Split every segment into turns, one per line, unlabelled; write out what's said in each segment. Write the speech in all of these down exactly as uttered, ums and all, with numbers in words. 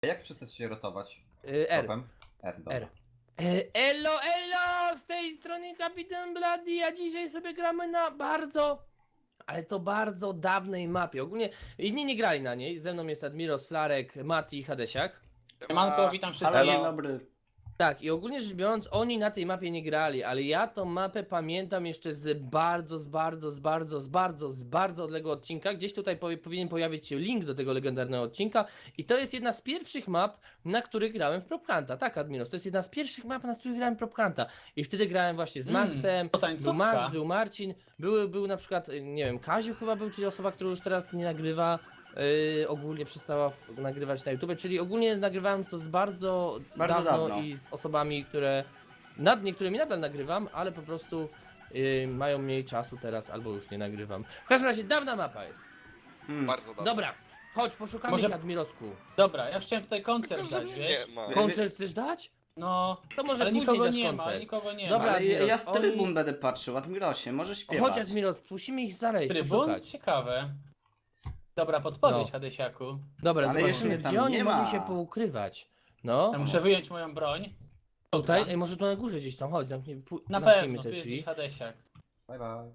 A jak przestać się rotować?
Y, R.
Topem? R, dobra.
R. E, Elo, elo! Z tej strony Kapitan Bloody, a dzisiaj sobie gramy na bardzo, ale to bardzo dawnej mapie. Ogólnie inni nie grali na niej. Ze mną jest Admiros, Flarek, Mati i Hadesiak.
Siemanko, witam wszystkich.
Halo, dzień dobry.
Tak, i ogólnie rzecz biorąc, oni na tej mapie nie grali, ale ja tą mapę pamiętam jeszcze z bardzo, z bardzo, z bardzo, z bardzo, z bardzo odległego odcinka. Gdzieś tutaj powie, powinien pojawić się link do tego legendarnego odcinka. I to jest jedna z pierwszych map, na których grałem w Prop Hunta. Tak, Admiros, to jest jedna z pierwszych map, na których grałem w Prop Hunta. I wtedy grałem właśnie z
Mm,
Maxem,
to
był
tańcówka.
Max, był Marcin, był, był na przykład, nie wiem, Kaziu chyba był, czyli osoba, która już teraz nie nagrywa. Yy, ogólnie przestała w, nagrywać na YouTube, czyli ogólnie nagrywałem to z bardzo,
Bardzo
dawno,
dawno.
i z osobami, które nad niektórymi nadal nagrywam, ale po prostu yy, mają mniej czasu teraz, albo już nie nagrywam. W każdym razie dawna mapa jest.
Hmm.
Bardzo dobrze.
Dobra, chodź, poszukamy
Może-
ich, Admirosku.
Dobra, ja chciałem tutaj koncert
Tylko, że
dać,
mnie
wiesz?
nie ma.
Koncert chcesz dać?
No,
To może
ale
później
nikogo
dasz
nie
koncert.
ma, ale nikogo nie
Dobra,
ma.
Ale ja, ja
Admiros,
z trybun
oni-
będę patrzył, Admirosie, możesz śpiewać.
Chodź, Admiros, musimy ich znaleźć,
Trybun?
poszukać.
Ciekawe. Dobra podpowiedź,
No.
Hadesiaku.
Dobra,
Ale
zobaczymy,
jeszcze tam
gdzie oni
nie
mogli
ma.
się poukrywać. No,
Ja muszę wyjąć moją broń.
tutaj, ej, może tu na górze gdzieś tam, chodź, zamknij, pu-
Na
zamknijmy
pewno,
te
tu jest
drzwi.
gdzieś Hadesiak.
Bye bye.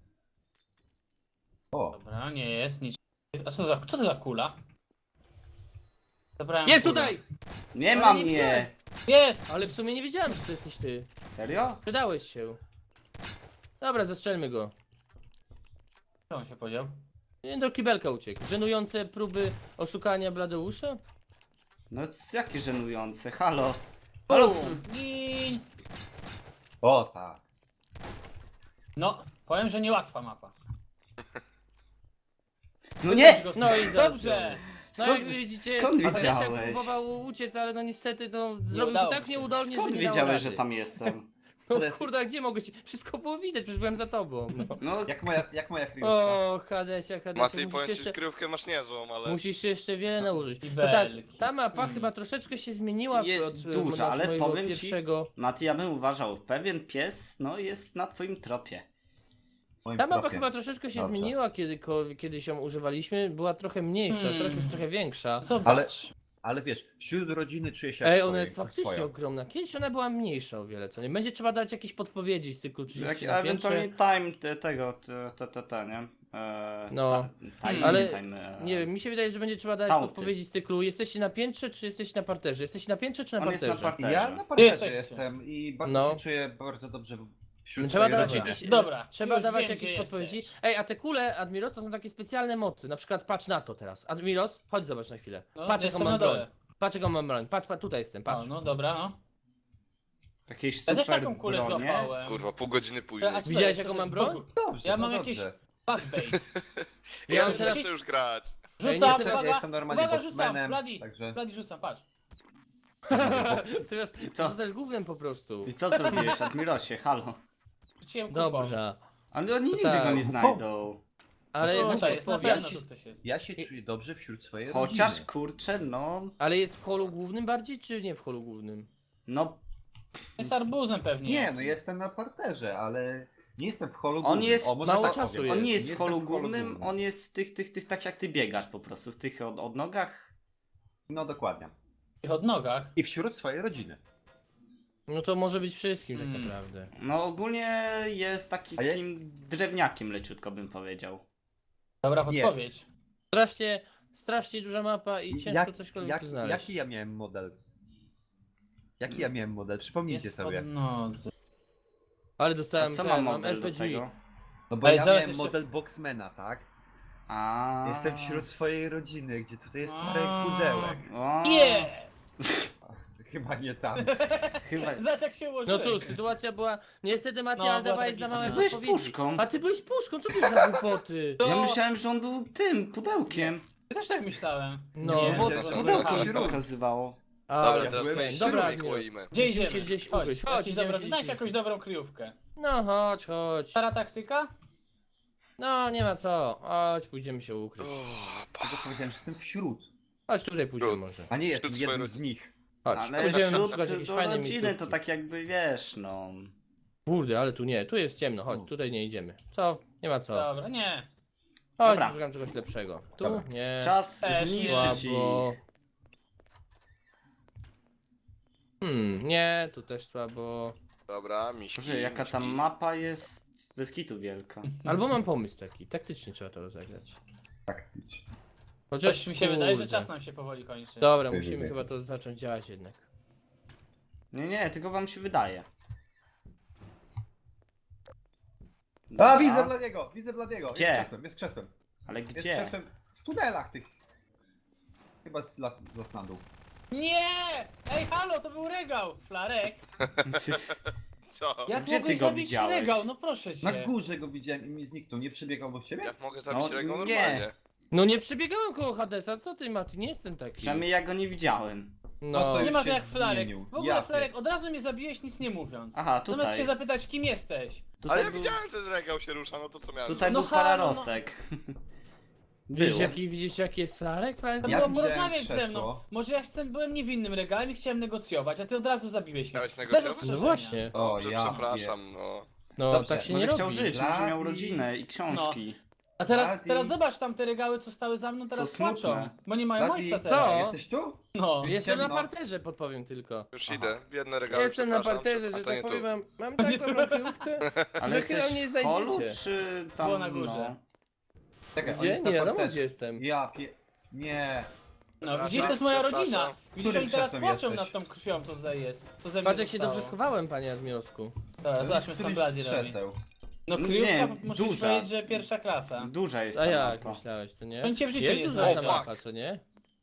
O,
Dobra, nie jest nic. A co, za, co to za kula? Zabrałem
Jest
kulę.
tutaj!
Nie
Ale
ma
nie widziałem.
mnie!
Jest!
Ale w sumie nie wiedziałem, że to jesteś ty.
Serio?
Przydałeś się. Dobra, zastrzelmy go.
Co on się podział?
Nie, do kibelka uciekł. Żenujące próby oszukania Bladeusza?
No c- jakie żenujące, halo. Halo.
Bum! Gin!
o tak.
No, powiem, że niełatwa mapa.
No nie!
No i
Dobrze!
No
Skąd-
jak widzicie,
skąd
Hadesiak
wiedziałeś?
próbował uciec, ale no niestety no, zrobił to
udało
tak
się.
nieudolnie,
Skąd
że nie dało
wiedziałeś,
rady.
że tam jestem?
No kurde, a gdzie mogłeś? Wszystko było widać, przecież byłem za tobą. No.
No,
Jak moja, jak moja kryjówka?
O, Hadesia, Hadesia,
Mati,
musisz
powiem ci,
jeszcze...
kryjówkę masz niezłą, ale...
Musisz się jeszcze wiele nauczyć.
I
No tak,
belki.
ta mapa
Mm.
chyba troszeczkę się zmieniła
Jest
od e,
duża,
od
ale
mojego
powiem ci-
pierwszego.
Mati, ja bym uważał, pewien pies, no jest na twoim tropie.
W moim
Ta mapa
tropie.
chyba troszeczkę się
Dobrze.
zmieniła, kiedy, ko- kiedy się używaliśmy. Była trochę mniejsza,
Hmm.
teraz jest trochę większa.
Zobacz.
Ale- Ale wiesz, wśród rodziny czuję się
Ej,
jak
ona
swoje-
jest faktycznie
swoja.
ogromna. Kiedyś ona była mniejsza o wiele, co nie? Będzie trzeba dać jakieś podpowiedzi z cyklu
Jak,
trzydzieści na
ewentualnie
piętrze.
time te, tego, te, te, te, te nie? Eee,
No.
ta, time,
Ale
time, eee,
Nie wiem, mi się wydaje, że będzie trzeba dać
Tauty.
podpowiedzi z cyklu. Jesteście na piętrze, czy jesteście na parterze? Jesteście na piętrze, czy na
On jest na
parterze?
parterze.
Ja na
Ty
parterze
jesteście.
jestem i bardzo
No.
się czuję bardzo dobrze wśród
Trzeba
swojej
dawać
rodziny.
jakieś,
Dobra,
trzeba
już
dawać
wiem,
jakieś
gdzie
podpowiedzi.
jesteś.
Ej, a te kule, Admiros, to są takie specjalne mocy. Na przykład patrz na to teraz. Admiros, chodź zobacz na chwilę.
No,
Patrz jaką
jestem na
mam broń.
dole.
Patrz jaką mam broń. Patrz, patrz, tutaj jestem, patrz.
O, no dobra, no.
Jakieś
Ja
super
też taką kulę
bronie.
złapałem.
Kurwa, pół godziny później.
A co to
Widziałeś,
jest?
jaką
Co to
mam
jest
broń?
Bogu?
Dobrze,
Ja
no
mam
dobrze.
jakieś backbait.
Ja
Ja
mam
już
teraz...
chcę już grać.
Ej, nie
Rzucam,
chcę-
Ja
uwaga,
jestem normalnie
uwaga, rzucam,
boxmanem,
Bloody,
także...
Bloody rzucam, patrz.
Ty wiesz,
Co?
to też głównym po prostu.
I co zrobiłeś, Admirosie, halo?
Rzuciłem kupą.
Dobrze.
Ale oni nigdy
tak.
go nie znajdą.
Ale
No,
masz
tutaj jest, na
podpowiedź?
pewno tu ktoś jest.
Ja się czuję dobrze wśród swojej
Chociaż
rodziny.
kurczę, no.
Ale jest w holu głównym bardziej, czy nie w holu głównym?
No,
Jest arbuzem pewnie.
Nie, no jestem na parterze, ale nie jestem w holu
On
głównym.
jest-
o, może
mało
tak
czasu
powiem.
jest.
on nie jest w
jestem
holu głównym, on jest w tych, tych, tych, tak jak ty biegasz po prostu, w tych od, odnogach.
No dokładnie.
W tych odnogach.
I wśród swojej rodziny.
No to może być wszystkim tak
Mm.
naprawdę.
No ogólnie jest taki
A ja-
takim drewniakiem leciutko bym powiedział.
Dobra
Nie.
podpowiedź.
Strasznie, strasznie duża mapa i ciężko
Jak,
cośkolwiek
jak,
tu znaleźć.
jaki ja miałem model? Jaki ja miałem model? Przypomnijcie
Jest
sobie.
odnodze.
Ale
A
dostałem
co
ten,
ma
mam
model
R P
do
G.
tego?
No bo
Ale
ja
zaraz
miałem
jeszcze-
model boxmana, tak?
A.
Jestem wśród swojej rodziny, gdzie tutaj jest parę
A.
pudełek.
O,
Nie!
Chyba nie tam.
Chyba.
Zobacz jak się
No
ułożyłem.
tu, sytuacja była... Niestety Mati,
No,
ale
była
dawałeś za
tragiczna.
małe
Ty byłeś
podpowiedzi.
puszką.
A ty byłeś puszką, co ty za głupoty?
To-
Ja myślałem, że on był tym pudełkiem.
Ja też tak myślałem.
No,
Nie,
bo-
że-
bo-
że-
Pudełko
tak.
się pokazywało.
A,
Dobra,
ja
teraz
byłem
to
wśród
dobra,
nich
Admiros.
łoimy.
Gdzie
Musimy
idziemy?
się gdzieś
Chodź,
ugryźć. Chodź,
jakiś
idziemy
dobra,
się
znajdź
gdzieś-
jakąś dobrą kryjówkę.
No chodź, chodź.
Stara taktyka?
No nie ma co. Chodź, pójdziemy się ukryć.
O, pa-
Tylko powiedziałem, że jestem wśród,
Chodź, tutaj pójdziemy
Trud.
może.
a nie jestem
Wśród
jednym
swojej
z nich.
Chodź,
Ale
będziemy
wśród
szukać
do
jakiejś fajnej
rodziny
miejscówki.
to tak jakby wiesz, no.
Kurde, ale tu nie, tu jest ciemno, chodź,
U.
tutaj nie idziemy. Co? Nie ma co.
Dobra, nie.
Chodź,
Dobra.
szukam czegoś lepszego. Tu?
Dobra.
Nie.
Czas
Też
zniszczyć ich.
Słabo. Hmm, nie, tu też słabo.
Dobra, miśki,
Boże, jaka ta
miśki.
mapa jest bez kitu wielka.
Albo mam pomysł taki, taktycznie trzeba to rozegrać.
Taktycznie.
Chociaż
Coś mi się wydaje, że
kurde.
czas nam się powoli kończy.
Dobra,
Wy,
musimy
wy, wy.
chyba to zacząć działać jednak.
Nie, nie, tylko wam się wydaje.
A,
Dobra,
widzę Bladiego, widzę Bladiego.
Gdzie?
Jest krzesłem, jest krzesłem.
Ale
Jest
gdzie?
krzesłem w tunelach tych. Chyba z lat, z Latlandu.
Nie! Ej, halo, to był regał! Flarek,
Co?
jak
Gdzie ty
mogłeś
go
zabić
widziałeś?
regał? No proszę cię.
Na górze go widziałem i mi zniknął. Nie przebiegał obok ciebie?
Jak mogę zabić
No,
Rego
nie.
normalnie?
No nie przebiegałem koło Hadesa, co ty Mati, nie jestem taki.
Przynajmniej ja go nie widziałem.
No
No,
to
Nie
już
ma to
się
jak Flarek.
zmienił.
W ogóle
Ja
Flarek, od razu mnie zabiłeś nic nie mówiąc.
Aha,
Zamiast
tutaj.
się zapytać kim jesteś.
Tutaj
Ale ja
był,
widziałem, że Regał się rusza, no to co miałem
tutaj
No
był
halo,
pararosek.
widzisz
Było.
jaki, widzisz jaki jest Flarek? Flarek
To
Ja
było
widziałem
porozmawiać ze mną.
krzesło.
Może ja chcę, byłem niewinnym regałem i chciałem negocjować, a ty od razu zabiłeś mnie.
Miałeś
Bez
negocjować?
ostrzeżenia.
No właśnie.
O,
Dobrze,
ja
przepraszam, no.
No
Dobrze,
tak się
Może
nie
chciał
robi.
żyć, może miał
Bladi.
rodzinę i książki.
A teraz,
Bladi.
teraz zobacz tam te regały, co stały za mną, teraz
Co smutne.
płaczą. Bo nie mają
Bladi,
ojca
To.
teraz.
Jesteś tu?
No.
Jestem na
ciemno.
parterze, podpowiem tylko.
Już
Aha.
idę, biedne regały,
Jestem na
przepraszam,
parterze,
a
że
to nie
tak
tu.
powiem, mam, mam taką kryjówkę.
Ale
Że
jesteś
chyba nie
w holu,
znajdziecie.
czy tam,
Było na górze.
Czekaj, on
Gdzie?
jest
Nie
na
wiadomo
parterze.
gdzie jestem.
Ja pie... Nie.
No widzisz, to jest moja
Przepraszam.
rodzina. Widzisz,
Którym
oni teraz
krzesłem
płaczą
jesteś?
nad tą krwią, co tutaj jest. Co ze mnie
Patrz jak się
zostało.
dobrze schowałem, panie Admirowsku.
Dobra, zobaczmy, co tam
Któryś
Bladi
z
robi.
krzeseł.
No
Nie,
kryjówka, musisz
duża.
powiedzieć, że pierwsza klasa.
Duża jest
A
ta
jak
mapa.
myślałeś, to nie?
To cię w życiu
jest
nie
duża
znajdę.
ta
O,
mapa, co nie?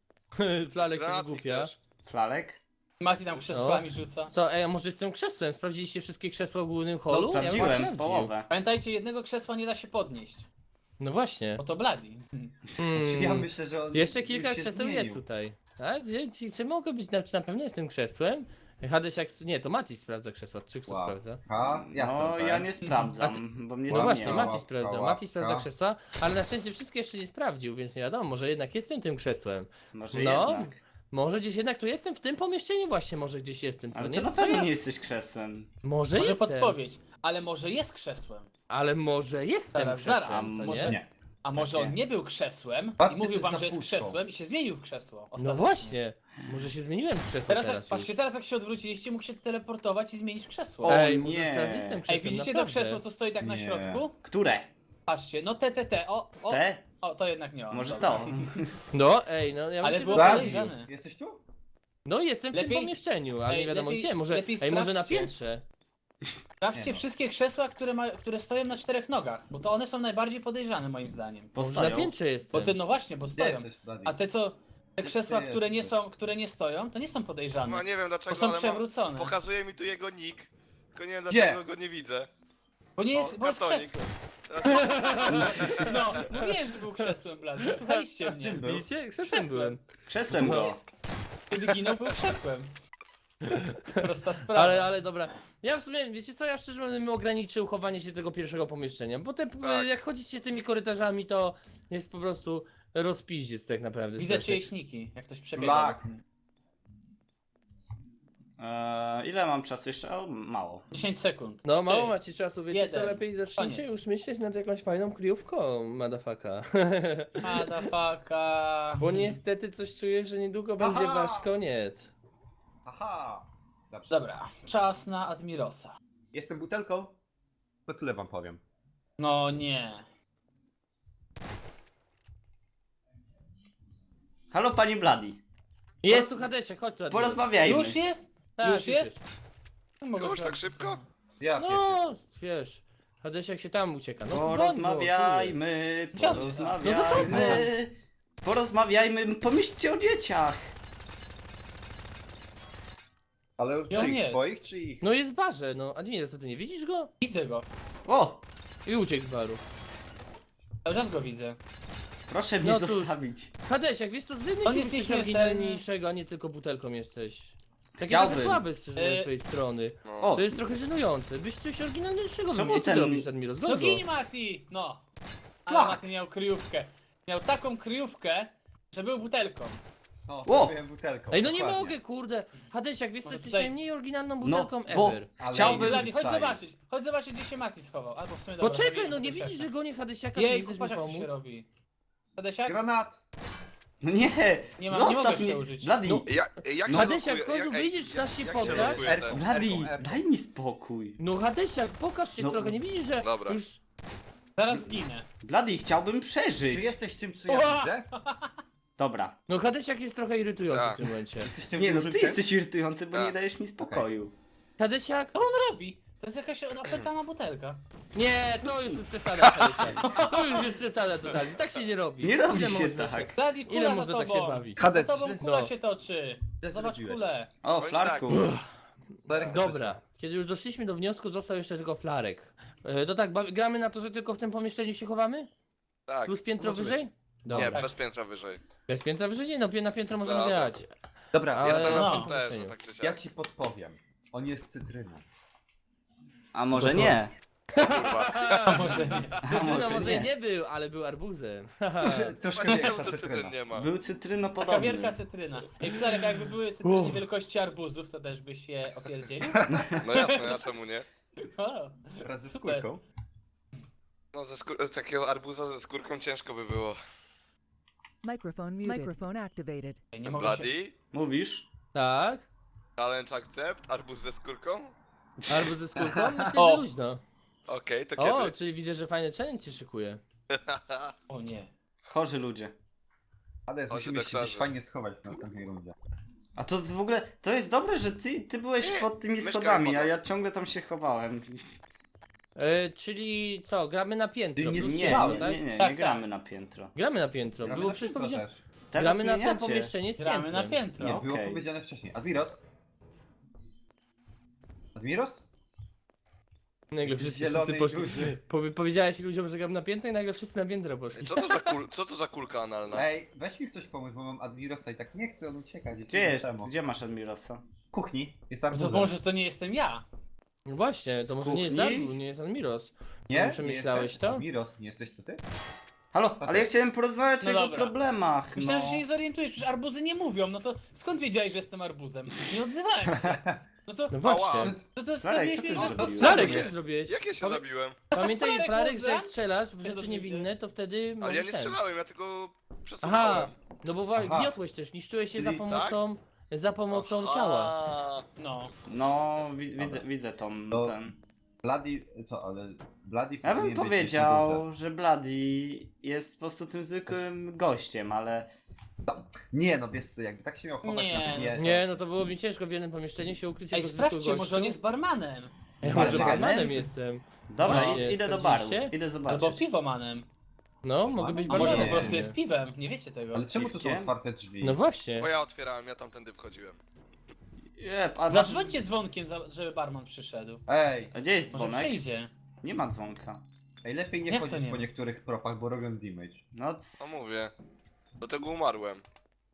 Flalek się
Granatnik
wygłupia.
też.
Flalek?
Mati tam krzesłami rzuca.
Co, ej, a może z tym krzesłem? Sprawdziliście wszystkie krzesła w głównym holu?
To
bym
Sprawdziłem,
sprawdził.
połowę.
Pamiętajcie, jednego krzesła nie da się podnieść.
No właśnie.
Bo to Bladi.
Hmm.
Ja myślę, że on
Jeszcze
już
kilka
się
krzeseł
zmienił.
jest tutaj. Tak? Czy, czy, czy mogę być, na, czy na pewno jestem krzesłem? Hades jak... Nie, to Mati sprawdza krzesła. Czy kto
Wow.
sprawdza?
A, ja
No,
sprawdzałem.
ja nie sprawdzam, bo mnie
No
tam
właśnie,
nie
ma.
Mati sprawdza.
Łapka,
Mati sprawdza
łapka.
krzesła, ale na szczęście wszystkie jeszcze nie sprawdził, więc nie wiadomo, może jednak jestem tym krzesłem.
Może
No,
jednak.
Może gdzieś jednak tu jestem, w tym pomieszczeniu właśnie może gdzieś jestem, co
Ale
nie?
ty na
Co
pewno
ja-
nie jesteś krzesłem.
Może,
Może
jestem,
podpowiedź. Ale może jest krzesłem.
ale może jestem
Zaraz,
krzesłem,
zaraz,
co
może
nie?
Nie.
A może
Tak,
on
nie.
nie był krzesłem
Patrzcie,
i mówił
ty
wam, że jest
zapuszczą.
krzesłem i się zmienił w krzesło.
No
ostatecznie.
właśnie, może się zmieniłem w krzesło
Teraz,
teraz,
jak, patrzcie,
już.
teraz jak się odwróciliście, mógł się teleportować i zmienić w krzesło.
O,
Ej,
nie.
może sprawdzić tym krzesłem,
Ej, widzicie to
naprawdę.
krzesło, co stoi tak na
Nie.
środku?
Które?
Patrzcie, no te, te, te, o, o,
Te?
o, to jednak nie on.
Może
dobra.
to.
No, ej, no ja
Ale
bym się
było
zastanowił.
fajnie.
Bladi, jesteś tu?
No jestem w tym
Lepiej-
pomieszczeniu, ale
Ej,
nie wiadomo
lepiej-
gdzie, może,
lepiej
ej, może na
sprawdźcie.
piętrze.
Sprawdźcie
Nie no.
wszystkie krzesła, które, ma, które stoją na czterech nogach, bo to one są najbardziej podejrzane moim zdaniem.
Może na
Postoją.
piętrze
Bo
jestem.
te, no właśnie, bo
Gdzie
stoją.
jesteś, Bladi?
A te co, te krzesła,
ty
które nie
jesteś?
są, które nie stoją, to nie są podejrzane.
No nie wiem dlaczego,
Bo są
ale mam,
przewrócone.
pokazuje mi tu jego nick. Tylko nie wiem
Gdzie?
dlaczego go nie widzę.
Bo nie jest,
O,
bo jest
kartonik.
krzesłem.
Teraz-
No, mówiłem, że był krzesłem, blady. Słuchaliście mnie.
Był?
Widzicie? Krzesłem
Krzesłem.
byłem.
Krzesłem go.
Kiedy ginął, był krzesłem. Prosta sprawa.
Ale, ale dobra. Ja w sumie, wiecie co, ja szczerze mówiąc bym ograniczył chowanie się tego pierwszego pomieszczenia, bo te,
Tak.
jak chodzicie tymi korytarzami, to jest po prostu rozpiździec tak naprawdę.
Widzę
strasznie.
czyjeś niki, jak ktoś przebiega.
Black.
Eee, ile mam czasu jeszcze? O, mało.
dziesięć sekund.
No
Cztery.
mało macie czasu, wiecie
jeden.
co, lepiej zacznijcie
Koniec.
już myśleć nad jakąś fajną kryjówką, madafaka.
Motherfucker.
Bo niestety coś czuję, że niedługo będzie
Aha!
wasz koniec.
Aha. Dobrze.
Dobra, czas na Admirosa.
Jestem butelką? To tyle wam powiem.
No nie.
Halo pani Bladi.
Jest tu Hadesie, chodź tu. Admiros.
Porozmawiajmy.
Już jest?
Tak,
już jest? Mogę
Już tak
sprawdzić.
szybko?
Ja pierwszy.
No, wiesz, Hadesiak się tam ucieka. No
Porozmawiajmy,
Gdzie on jest?
No za
porozmawiajmy. Porozmawiajmy, pomyślcie o dzieciach.
Ale
Ja
czyich?
nie.
Twoich czy ich?
No jest w barze, no Admiros, co ty nie widzisz go?
Widzę go.
O,
I uciekł z baru.
Cały czas go widzę.
proszę mnie
No cóż.
zostawić.
Hadesiak, wiesz co, zdejmij
On
się
jest
coś
nieśmiertelny.
oryginalniejszego, a nie tylko butelką jesteś. Taki
Chciałbym.
trochę słaby szczerze mówiąc,
E,
z twojej strony.
No.
O,
To jest trochę żenujące. Byś coś oryginalniejszego
Czemu
wymienił. Co
ten-
ty robisz, Admiros?
No
Zobacz.
gin Mati! No. Ale
Tak.
Mati miał kryjówkę. Miał taką kryjówkę, że był butelką.
O,
O!
byłem butelką.
Ej, no nie
dokładnie.
mogę, kurde. Hadesiak, wiesz co,
Może
jesteś
tutaj-
najmniej oryginalną
No,
butelką
bo
ever.
Ale
chciałbym...
Blady, chodź
Czaj.
zobaczyć. Chodź zobaczyć, gdzie się Mati schował. Albo w sumie dobra,
Poczekaj,
zabijmy
no nie
tego
widzisz,
szefa.
że gonię Hadesiaka, czy nie
Jej,
chcesz mi
patrz jak to
pomóc?
się robi. Hadesiak?
Granat!
No nie!
Nie mam- nie
Zostaw
mogę
mnie!
przełożyć.
Bloody!
No.
Jak, jak
No,
się
Hadesiak,
loguje-
w końcu
jak- ej,
wyjdziesz
jak-
na się
jak
poddać?
się loguje
Erką.
ten-
Bloody!
Erką, erką.
Daj mi spokój!
No Hadesiak, pokaż się
No.
trochę, nie widzisz, że
Dobra.
już...
Zaraz zginę.
Bloody, chciałbym
Ty
przeżyć!
jesteś tym, co ja
Ła!
widzę?
Dobra.
No Hadesiak jest trochę irytujący
Tak.
w tym momencie.
Jesteś tym
Nie no,
dużym
ty
tym?
jesteś irytujący, bo
Tak.
nie dajesz mi spokoju.
Hadesiak?
Co on robi? To jest jakaś opętana butelka.
Nie, to już jest przesada, Hadesiak. To już jest przesada totalnie, tak się nie robi.
Nie robi
Ile
się
można
tak.
Daddy,
Ile
kula za
można tak
tobą.
się bawić?
Hades,
Za tobą
źle-
kula
No.
się toczy.
Źle
Zobacz
zrobiłeś.
kulę.
O,
Bądź
Flarku!
Flarek
Dobra, kiedy już doszliśmy do wniosku, został jeszcze tylko flarek. E, To tak, ba- gramy na to, że tylko w tym pomieszczeniu się chowamy?
Tak.
Plus piętro
Możemy.
wyżej?
Nie,
Dobra.
bez piętra wyżej.
Bez piętra wyżej? Nie, no pi- na piętro możemy
Dobra.
grać.
Dobra,
Ale-
Jestem
no.
na
w
tym
tym
też,
pomieszczeniu.
tak czy siak.
jak ci podpowiem? On jest cytryną.
A może
No to-
nie?
Kurwa.
A może nie.
A
Cytryna
może
może i
nie?
nie był, ale był arbuzem.
Troszkę
Właśnie
większa
czemu
cytryna.
cytryn nie ma?
Był
Taka
cytrynopodobny.
wielka cytryna. Ej, Flarek, jakby były cytryny
Uff.
wielkości arbuzów, to też byś je opierdzielił?
No jasne, a czemu nie?
O,
Wraz ze
Super.
skórką.
No ze skór- takiego arbuza ze skórką ciężko by było.
Microphone muted. Microphone activated.
ej, nie mogę się...
Bloody?
Mówisz?
Tak?
Challenge accept? Arbuz ze skórką?
Arbuz ze skórką? Myślę,
O.
że luźno.
Okej, to
O,
kiedy?
czyli widzę, że fajny challenge się szykuje.
O nie.
Chorzy ludzie.
Ale
Chodź,
musimy się gdzieś
doktorze.
fajnie schować w następnej rundzie.
A to w ogóle, to jest dobre, że ty, ty byłeś
Nie,
pod tymi
mieszkamy
schodami, a
pod-
ja ciągle tam się chowałem.
E, czyli co, gramy na piętro.
Ty nie
plus
Nie,
strzelałeś,
piętro,
nie,
tak?
nie, nie,
Tak,
nie
tak.
gramy na piętro.
Gramy na piętro.
Gramy
Było
na
przecież
piętro
powiedziane.
też.
Teraz
Gramy na to
zmieniacie.
pomieszczenie z
Gramy na
piętrem.
piętro.
Nie, było
Okej.
powiedziane wcześniej. Admiros? Admiros?
Nagle
Jesteś
wszyscy,
zielony
wszyscy
i
poszli.
duży.
Powie- Powiedziałeś ludziom, że gram na piętro i nagle wszyscy na piętro poszli.
Co to za, kul- co to za kulka analna?
Ej, weź mi ktoś pomóc, bo mam Admirosa i tak nie chcę, on ucieka.
Gdzie jest? Gdzie masz Admirosa?
W kuchni. Jest
To
arbuzem.
może to nie jestem ja.
No właśnie, to może nie jest
Kuchni?
Arbuz, nie jest Admiros.
Nie?
Przemyślałeś
nie jesteś?
to?
Admiros, nie jesteś to ty?
Halo, ale ja chciałem porozmawiać
No
o jego
dobra.
problemach,
Myślałem,
no.
że się nie zorientujesz, przecież arbuzy nie mówią, no to skąd wiedziałeś, że jestem arbuzem? Nie odzywałem się. No to,
No
Ała.
właśnie.
to, to
Flarek,
zrobiłeś
co ty
mnie, że
zrobiłeś?
podstawy.
Flarek,
nie.
co ty zrobiłeś?
Jak ja się
Ale-
zabiłem?
Pamiętaj,
Flarek,
Flarek, że
pozdra?
jak strzelasz w
to
rzeczy
widzę.
niewinne, to wtedy
Ale ja
możesz
nie
ten.
strzelałem, ja tylko
Aha,
przesuwałem.
no bo wa-
Aha.
gniotłeś też, niszczyłeś je za
Czyli-
pomocą, za pomocą
Aha.
ciała.
No.
No, wi widzę, widzę tą,
To-
ten...
Bloody, co, ale Bloody
Ja bym
powinien być gdzieś na
powiedział,
górze.
że Bloody jest po prostu tym zwykłym gościem, ale...
Nie, no wiesz co, jakby tak się miał chować
Nie,
na mnie.
Nie, no to było mi ciężko w jednym pomieszczeniu się ukryć
Ej,
jako zwykły
sprawdźcie, może
gościu.
on jest barmanem.
Ja może
Barmanem?
barmanem jestem.
Dobra,
Właśnie,
id- idę do baru,
sprawdziliście?
idę
Albo
zobaczyć.
piwomanem.
No, mogę być
A może
barmanem.
po prostu
nie.
jest piwem, nie wiecie tego.
Ale czemu tu są
Piwkiem?
otwarte drzwi?
No właśnie.
Bo ja otwierałem, ja tamtędy wchodziłem.
Jep, a masz...
Zadzwońcie dzwonkiem, za- żeby barman przyszedł.
Ej,
A gdzie jest
Może
dzwonek?
przyjdzie.
Nie ma dzwonka.
ej, lepiej nie
Jak to
chodzić
nie
po
ma?
niektórych propach, bo robią damage.
No, c-
No mówię. Do tego umarłem.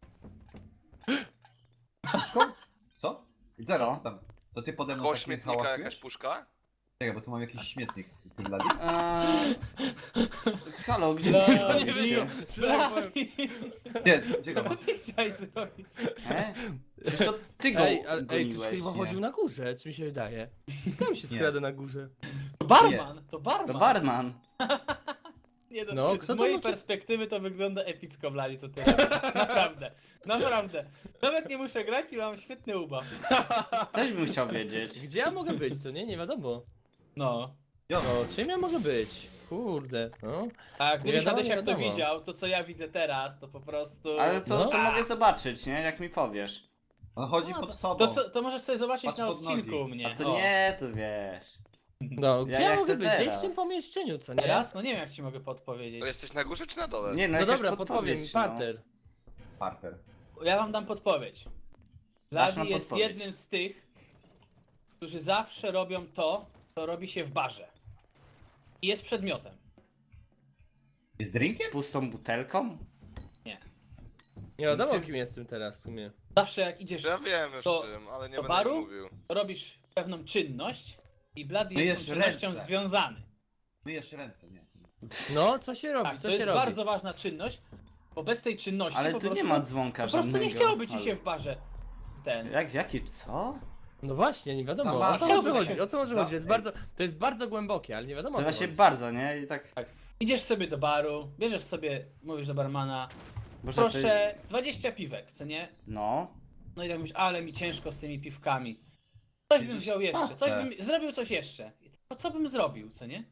Co? Zero,
Co?
co tam? To ty pode mną
Koło
takim
śmietnika
hałasujesz?
jakaś puszka?
Czekaj, bo tu mam jakiś śmietnik. Ty Bloody?
Eee... Halo, gdzie
Dla-
wy
nie
chodzicie?
Gdzie, gdzie go
Co
mam?
ty chciałeś zrobić?
E? Przecież to ty go
Ej, ale, ej, ktoś
goniłeś,
chyba
nie?
chodził na górze, czy mi się wydaje. Tam się
Nie.
skrada na górze.
To barman, to barman.
To barman.
Nie, no,
No,
z
kto to
mojej
był, co-
perspektywy to wygląda epicko, Blali, co ty robisz. Naprawdę, naprawdę. Nawet nie muszę grać i mam świetny ubaw.
Też bym chciał wiedzieć.
Gdzie ja mogę być, co nie? Nie wiadomo.
No.
No, czym ja mogę być? Kurde, no.
A gdybyś
wiadomo,
Hadesiak
nie
to
wiadomo.
widział, to co ja widzę teraz, to po prostu...
Ale to,
No.
to mogę zobaczyć, nie? Jak mi powiesz.
On chodzi
No,
pod tobą.
to, co, to możesz sobie zobaczyć
Patrz
na
pod
odcinku
nogi.
u mnie.
A to
O.
nie, to wiesz.
No, gdzie
Ja-
ja,
ja
mogę
chcę
być? Gdzieś w
teraz.
tym pomieszczeniu, co nie?
Teraz? No nie wiem jak ci mogę podpowiedzieć.
To jesteś na górze czy na dole?
Nie, no,
No
jakaś
dobra, podpowiem,
podpowiedź, no.
parter.
Parker.
Ja wam dam podpowiedź.
Dasz
Blady
nam
jest
podpowiedź.
jednym z tych, którzy zawsze robią to, co robi się w barze. I jest przedmiotem.
Jest drinkiem?
Z pustą butelką?
Nie wiadomo, kim jestem teraz w sumie.
Zawsze jak idziesz,
Ja wiem już
To-
czym, ale nie
do
będę
baru?
mówił.
robisz pewną czynność i Blady
Myjesz
jest z tą czynnością
ręce.
związany.
Myjesz ręce, nie.
No, co się robi,
Tak,
co
to
się
jest
robi?
bardzo ważna czynność, bo bez tej czynności
Ale
po
tu
prostu,
nie ma dzwonka
po prostu nie
żadnego.
chciałoby ci
Ale-
się w barze ten.
Jak, jaki, co?
No właśnie, nie wiadomo,
Tam
o
masz-
co może
Chciałbyś
chodzi,
się-
o co może
za-
chodzi, jest bardzo, to jest bardzo głębokie, ale nie wiadomo
To
o co
właśnie
chodzi.
bardzo, nie? I tak...
Idziesz sobie do baru, bierzesz sobie, mówisz do barmana,
Może
Proszę, dwadzieścia piwek, co nie?
Ty... No.
No i tak myślę, ale mi ciężko z tymi piwkami. Coś bym wziął jeszcze, coś bym zrobił coś jeszcze. To co bym zrobił, co nie?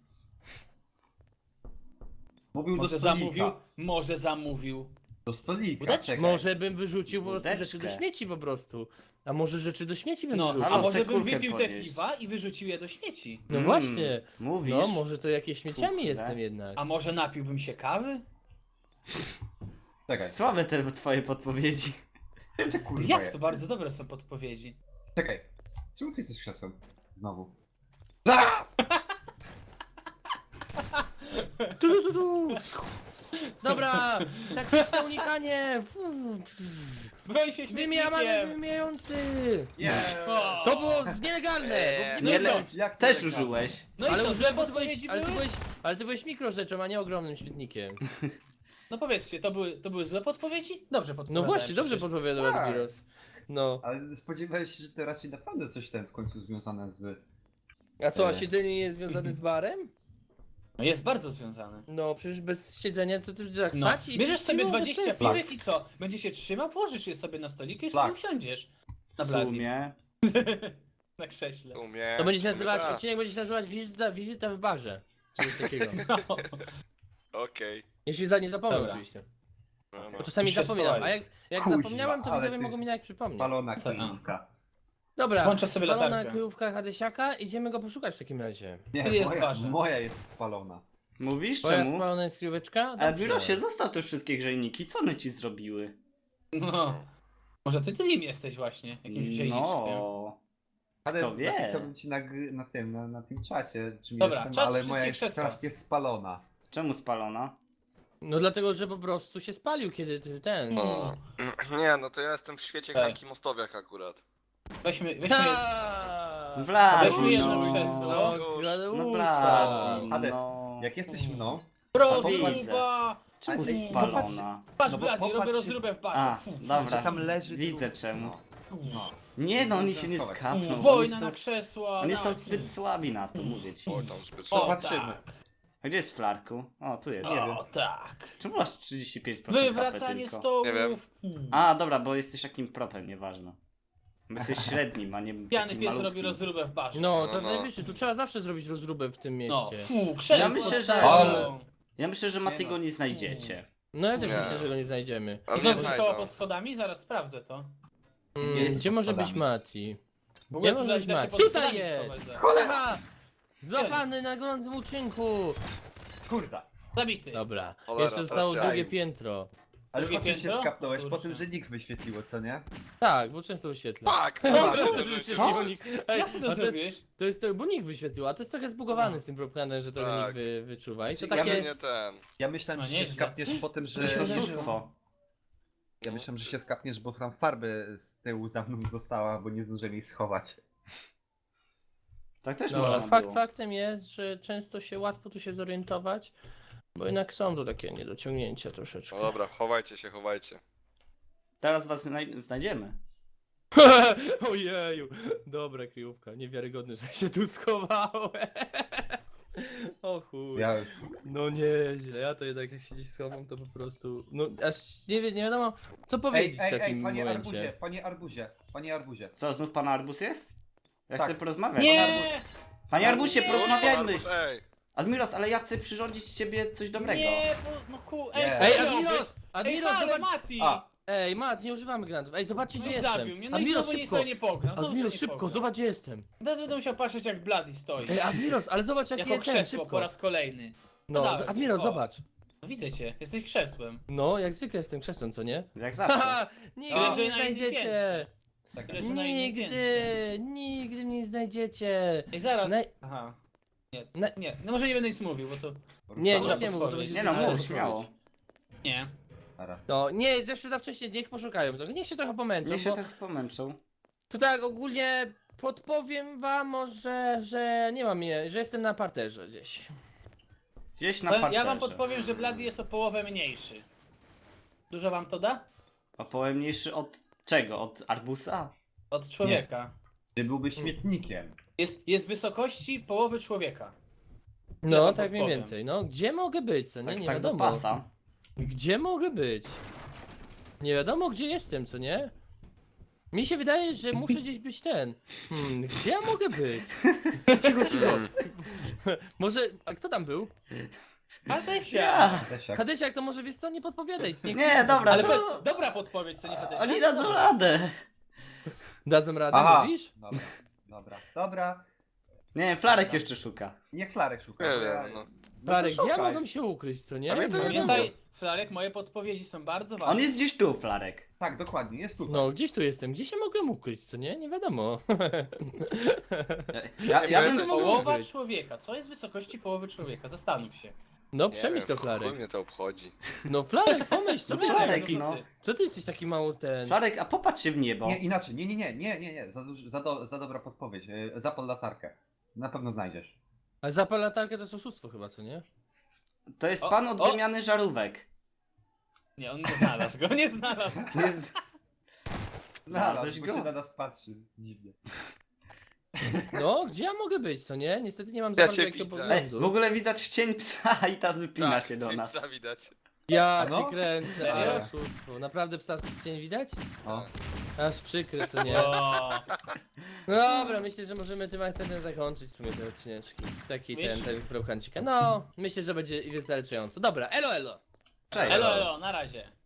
Mówił
Może
do stolika.
zamówił, może zamówił.
Do stolika,
Udeczkę.
czekaj.
Może bym wyrzucił po prostu
Wódeczkę.
rzeczy do śmieci po prostu. A może rzeczy do śmieci bym
No,
wyrzucił?
a
Halo,
może
chcę
bym
kulkę
wypił te
podnieść.
piwa i wyrzucił je do śmieci.
No
Mm,
właśnie.
Mówisz?
No, może to jakieś śmieciami
Kurde.
jestem jednak.
A może napiłbym się kawy?
Czekaj.
Słabe te twoje podpowiedzi.
Czym ty kurwa
Jak
jest?
to bardzo dobre są podpowiedzi.
Czekaj. Czemu ty jesteś krzesłem? Znowu.
Tu, tu, tu, tu. Dobra, taktyczne unikanie.
Broń się
Wymijamy
śmietnikiem!
wymijający.
O!
To było nielegalne.
Eee,
Bo
Nie,
nie
le...
le...
Jak to
Też
legalne?
użyłeś.
No i
Ale
co,
użyłem
złe
podpowiedzi,
podpowiedzi
ale ty
były?
byłeś, ale ty byłeś mikrorzeczą, a nie ogromnym śmietnikiem.
No powiedzcie, to były, to były złe podpowiedzi? Dobrze
No
podpowiadałem
właśnie, dobrze
przecież.
podpowiadał
Tak.
Admiros. No.
Ale spodziewałeś się, że to raczej naprawdę coś ten w końcu związane z...
A co, a
Eee.
siedzenie nie jest związane z barem?
No jest bardzo związane.
No, przecież bez siedzenia to ty tak
No.
stać i...
Bierzesz sobie
piwo bez
dwadzieścia
sensu.
piwek i co? Będzie się trzymał, położysz je sobie na stoliku i
Tak.
sobie usiądziesz. Na
W
blady.
sumie.
Na krześle.
Umie.
To będzie się
w sumie
nazywać,
tak.
odcinek będzie się nazywać wizyta, wizyta w barze. Czy coś takiego.
Okej.
Jeśli za nie zapomnę
Dobra.
oczywiście.
No, no.
Bo czasami
Już się
zapominam, a
schowali.
jak, jak
Kuźwa,
zapomniałem, to
ale
widzowie
ty
mogą mi
jest
jak przypomnieć.
Spalona
Co?
kryjówka.
Dobra,
Włączę sobie
spalona
latarkę.
kryjówka Hadesiaka, idziemy go poszukać w takim razie.
Nie,
Tu jest
moja,
barze.
moja jest spalona.
Mówisz
Twoja
czemu?
spalona jest kryjóweczka?
Ale
Dobrze.
Admirosie, zostaw te wszystkie grzejniki. Co one ci zrobiły?
No. Może ty tym jesteś właśnie, jakimś grzejniczkiem.
No.
Ale
Kto wie?
napisałbym ci na, gry- na tym, na, na tym czacie, czym
Dobra,
jestem,
czas
ale
wszystkie
moja jest
krzesła.
strasznie spalona.
Czemu spalona?
No dlatego, że po prostu się spalił, kiedy ty ten...
No. Nie, no to ja jestem w świecie
Tak.
Hanki Mostowiak akurat.
Weźmy, weźmy...
Ta!
Blady,
Weźmy jedno
no.
krzesło.
No,
Już.
Gladeusa.
No blady,
Hades,
no.
jak jesteś mną,
Rozruba!
Czemu
Ale-
spalona?
Patrz,
No bo
Blady, robię
popatrz-
rozróbę w barze.
A,
że
dobra.
tam leży...
Widzę
dru-
czemu.
No. No.
Nie no, oni się nie
Schować.
skapną. Oni
Wojna
są,
na krzesła.
oni
na-
są zbyt słabi na to, mówię ci.
Oj, tam zbyt
O,
słabo.
Zobaczymy.
tak.
A gdzie jest Flarku? O, tu jest.
O, tak.
Czemu masz trzydzieści pięć procent
Wywracanie
tylko?
stołów.
Nie wiem.
Hmm.
A, dobra, bo jesteś takim propem, nieważne. Bo jesteś średnim, a nie
Pijany
takim
pies robi
malutkim.
rozróbę w barze.
No,
No,
to
no.
najwyższy, tu trzeba zawsze zrobić rozróbę w tym
No,
mieście.
fu, krzesło.
Ja myślę, że-
Ale...
Ja myślę, że
Nie
Maty go
no.
nie znajdziecie.
No ja też
Nie.
myślę, że go nie znajdziemy.
Ale nie
Znowu została
znajdą.
pod schodami? Zaraz sprawdzę to.
Mm,
Jest
gdzie
pod
może być
schodami.
Mati?
W ogóle
Gdzie może
tutaj
być
da się
Mati?
pod
Tutaj
schodami
jest!
schować za-
Cholera! Złapany na gorącym uczynku!
Kurda.
Zabity.
Dobra,
Cholera,
jeszcze zostało
teraz
drugie
ja.
piętro.
Ale
Drugie
po czym się
piętro?
skapnąłeś? Po
Kurczę.
tym, że nikt wyświetliło, co nie?
Tak, bo często wyświetla.
Tak!
Dobra,
dobra,
to
że
jest-
się-
Co?
Ej,
Jak ty
a
to
to jest,
zrobiłeś?
to jest to, bo nikt wyświetlił, a to jest trochę zbugowany z tym propagandem, że to
Tak.
nikt wy, wyczuwa. I to
Ja
takie
Ja
jest...
nie ten.
Ja myślałem,
No
że się
nieźle.
skapniesz po tym, że...
To jest oszustwo.
Ja myślałem, że się skapniesz, bo tam farby z tyłu za mną została, bo nie zdążyłem jej schować.
Tak też
Dobra,
można
fakt
było.
faktem jest, że często się łatwo tu się zorientować, bo jednak są to takie niedociągnięcia troszeczkę.
No dobra, chowajcie się, chowajcie.
Teraz was znaj- znajdziemy.
Ojeju, dobra kryjówka, niewiarygodne, że się tu schowałem. O chuj,
Ja...
no nieźle, ja to jednak jak się gdzieś schowam, to po prostu, no aż nie, wie, nie wiadomo co
Ej,
powiedzieć
ej,
w takim
ej, panie
momencie.
Arbuzie, panie Arbuzie, panie Arbuzie.
Co, znów pan Arbus jest? Ja
Tak.
chcę porozmawiać.
Nie!
Panie Arbusie,
Nie!
porozmawiajmy!
Ej,
Admiros, ale ja chcę przyrządzić z ciebie coś dobrego.
Nie, bo, no ku... Ej,
Nie.
co
Ej,
ty robisz?
Admiros,
Ej,
Admiros,
ale
zobacz,
Mati!
A.
ej Mat, nie używamy granatów, ej zobaczcie
No
gdzie
i
jestem.
zabił mnie, no i
Admiros,
znowu nie
szybko,
sobie nie pognam. znowu
Admiros,
sobie nie
szybko,
pognam.
zobacz gdzie jestem.
Teraz będę musiał patrzeć jak Bloody stoi.
Ej, Admiros, ale zobacz jak
Jako
jest ten,
krzesło
szybko.
po raz kolejny.
No,
dawaj,
Admiros,
o.
zobacz.
No widzę cię, jesteś krzesłem.
No, jak zwykle jestem krzesłem, co nie?
Jak zawsze.
Haha, nigdy
Leży
mnie nie
na innym
znajdziecie.
piętrze.
Tak.
Leży na innym
Nigdy,
piętrze.
nigdy mnie nie znajdziecie.
Ej, zaraz.
Na-
Aha. Nie,
Na-
nie, no może nie będę nic mówił, bo to...
Nie,
Dobra,
nic nie mów, bo to
podpowiedź.
będzie
Nie no,
zbyt
mów,
dużo
śmiało.
powiedzieć.
Nie.
Dobra.
No, nie, jeszcze za wcześnie, niech poszukają trochę, niech się trochę pomęczą,
Niech się
bo
tak pomęczą.
to tak ogólnie podpowiem wam może, że nie mam je, że jestem na parterze gdzieś.
Gdzieś na
Powiem-
parterze.
Ja wam podpowiem, że Bloody jest o połowę mniejszy. Dużo wam to da?
O połowę mniejszy od czego? Od Arbusa?
Od człowieka.
Ty byłby śmietnikiem.
Jest, jest wysokości połowy człowieka.
No,
wam
tak mniej
podpowiem.
więcej, no, gdzie mogę być, co nie,
Tak,
nie
tak do
wiadomo.
pasa.
Gdzie mogę być? Nie wiadomo gdzie jestem, co nie? Mi się wydaje, że muszę gdzieś być ten. Hmm, gdzie ja mogę być? Cicho, cicho. Może, a kto tam był?
Hadesia!
Ja.
Desiak.
Hadesiak, to może wiesz co, nie podpowiadaj. Nie,
Nie, dobra,
Ale
to...
powiedz, dobra podpowiedź, co nie Hadesia?
Oni dadzą radę.
Dadzą radę,
Aha.
mówisz?
Dobra, dobra, dobra.
Nie, Flarek jeszcze szuka.
Niech Flarek szuka.
Nie
bo ja-
wiem, no.
Flarek, gdzie ja
szukaj.
mogę się ukryć, co nie?
A mnie to nie
Pamiętaj, Flarek, moje podpowiedzi są bardzo ważne.
On jest gdzieś tu, Flarek.
Tak, dokładnie, jest tutaj.
No, gdzieś tu jestem. Gdzie się mogę ukryć, co nie? Nie wiadomo.
Ja, ja
Nie
bym...
mogę
Połowa
ukryć.
człowieka. Co jest wysokości połowy człowieka? Zastanów się.
No,
Nie
przemyśl to,
wiem,
Flarek.
chuj mnie to obchodzi.
No, Flarek, pomyśl, co
No
ty,
Flarek,
Dużo
no.
ty.
co ty jesteś taki mało ten...
Flarek, a popatrz się w niebo.
Nie, inaczej, nie, nie, nie, nie, nie, nie. Za, duż- za, do, za dobra podpowiedź. E, Zapal latarkę. Na pewno znajdziesz.
Ale zapal latarkę to jest oszustwo chyba, co nie?
To jest
O,
pan od
o.
wymiany żarówek.
Nie, on nie znalazł go, nie znalazł.
Jest...
Znalazł,
Znalazłeś
bo
go?
się na nas patrzy. Dziwnie.
No, gdzie ja mogę być, co nie? Niestety nie mam
Ja
za
się
bardzo jakiego
widzę.
Ej,
poglądu.
w ogóle widać cień psa i tas wypina
Tak,
się do
cień
nas.
psa widać.
Ja
No?
cię kręcę,
Serio?
ale oszustwo. Naprawdę psa cień widać?
O.
Aż przykry, co nie?
O,
No dobra, myślę, że możemy tym akcentem zakończyć w sumie te odcineczki. Taki ten,
Myślisz?
ten krokancika. No, myślę, że będzie wystarczająco. Dobra, elo, elo!
Cześć.
elo, elo, na razie.